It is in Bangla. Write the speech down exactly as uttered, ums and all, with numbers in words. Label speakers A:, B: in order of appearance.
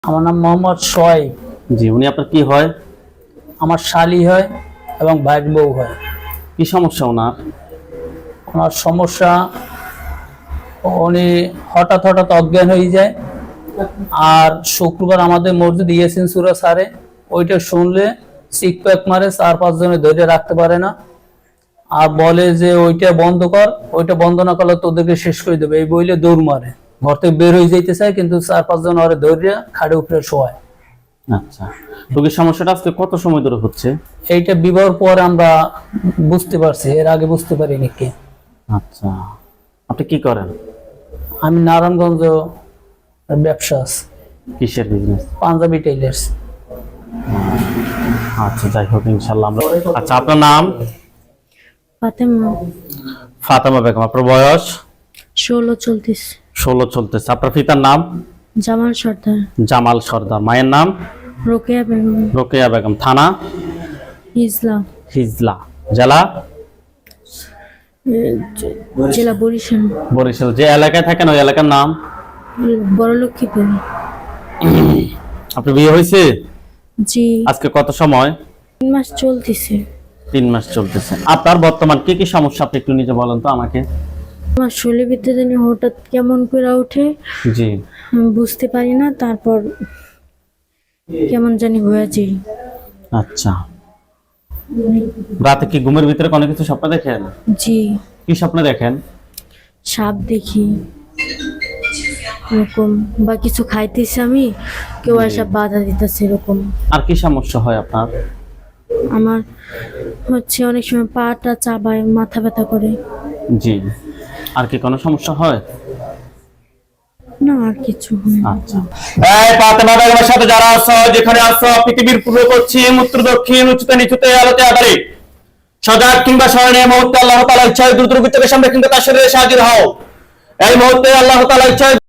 A: আমার নাম মোহাম্মদ সোহাইব।
B: জি, উনি আপনার কি হয়?
A: আমার শালি হয় এবং ভাইয়ের বউ হয়।
B: কি সমস্যা ওনার?
A: ওনার সমস্যা, উনি হঠাৎ হঠাৎ অজ্ঞান হয়ে যায়। আর শুক্রবার আমাদের মসজিদ ইয়াসিন সূরা সারে, ওইটা শুনলে চিক প্যাক মারে, চার পাঁচ জনে ধরে রাখতে পারে না। আর বলে যে ওইটা বন্ধ কর, ওইটা বন্ধ না করলে তোদেরকে শেষ করে দেবে, এই বইলে দৌড় মারে। ঘর থেকে বের হয়ে যাইতে চায়, কিন্তু চার পাঁচ জন ওরে ধরে খাড়ে উপরে শোয়ায়।
B: আচ্ছা, রোগীর সমস্যাটা আজকে কত সময় ধরে হচ্ছে?
A: এইটা বিবাহের পর আমরা বুঝতে পারছি, এর আগে বুঝতে পারিনি কে।
B: আচ্ছা, আপনি কি করেন?
A: আমি নারায়ণগঞ্জ ব্যবসা আছে,
B: কিসের বিজনেস?
A: পাঞ্জাবি টেইলার্স।
B: আচ্ছা, যাই হোক, ইনশাল্লাহ আমরা। আচ্ছা, আপনার নাম?
C: ফাতেমা।
B: ফাতেমা বেগম। আপনার বয়স?
C: ষোলো চলতিস।
B: ষোলো চলতেছে। আপনার পিতার নাম?
C: জামাল সর্দার।
B: জামাল সর্দার। মায়ের নাম?
C: রোকেয়া বেগম।
B: রোকেয়া বেগম। থানা?
C: হিজলা।
B: হিজলা। জেলা?
C: জেলা বরিশাল।
B: বরিশাল। যে এলাকায় থাকেন ওই এলাকার নাম?
C: বড়লক্ষ্মীপুর।
B: আপনার বিয়ে হয়েছে?
C: জি।
B: আজকে কত সময়?
C: তিন মাস চলতেছে।
B: তিন মাস চলতেছে। আপনার বর্তমান কি কি সমস্যা আপনি একটু নিজে বলেন তো আমাকে।
C: আমার শরীরের ভিতরে জানি হঠাৎ কেমন করে ওঠে,
B: জি।
C: আমি বুঝতে পারি না, তারপর কেমন জানি হয়ে যায়।
B: আচ্ছা, রাতে কি ঘুমের ভিতরে কোনো কিছু স্বপ্ন দেখেন?
C: জি।
B: কি স্বপ্ন দেখেন?
C: সাপ দেখি এরকম, বা কিছু খাইতেছি আমি, কেউ এসব বাধা দিতেছে এরকম।
B: আর কি সমস্যা হয় আপনার?
C: আমার হচ্ছে অনেক সময় পাটা চাবায়, মাথা ব্যথা করে।
B: জি। আর কি কোনো সমস্যা হয়?
C: না, আর কিছু হয় না।
B: আচ্ছা, এই ফাতেমা বেগমের সাথে যারা আছো, যেখানে আছো, পৃথিবীর পূর্ব পশ্চিম উত্তর দক্ষিণ উচ্চতে নিচুতে আলোতে আধারে সজাগ কিংবা স্মরণে মুহূর্তে আল্লাহ তাআলার ইচ্ছায় দ্রুত রূপে চোখের সামনে কিন্তু তার শরীরে হাজির হও। এই মুহূর্তে আল্লাহ তাআলার ইচ্ছায়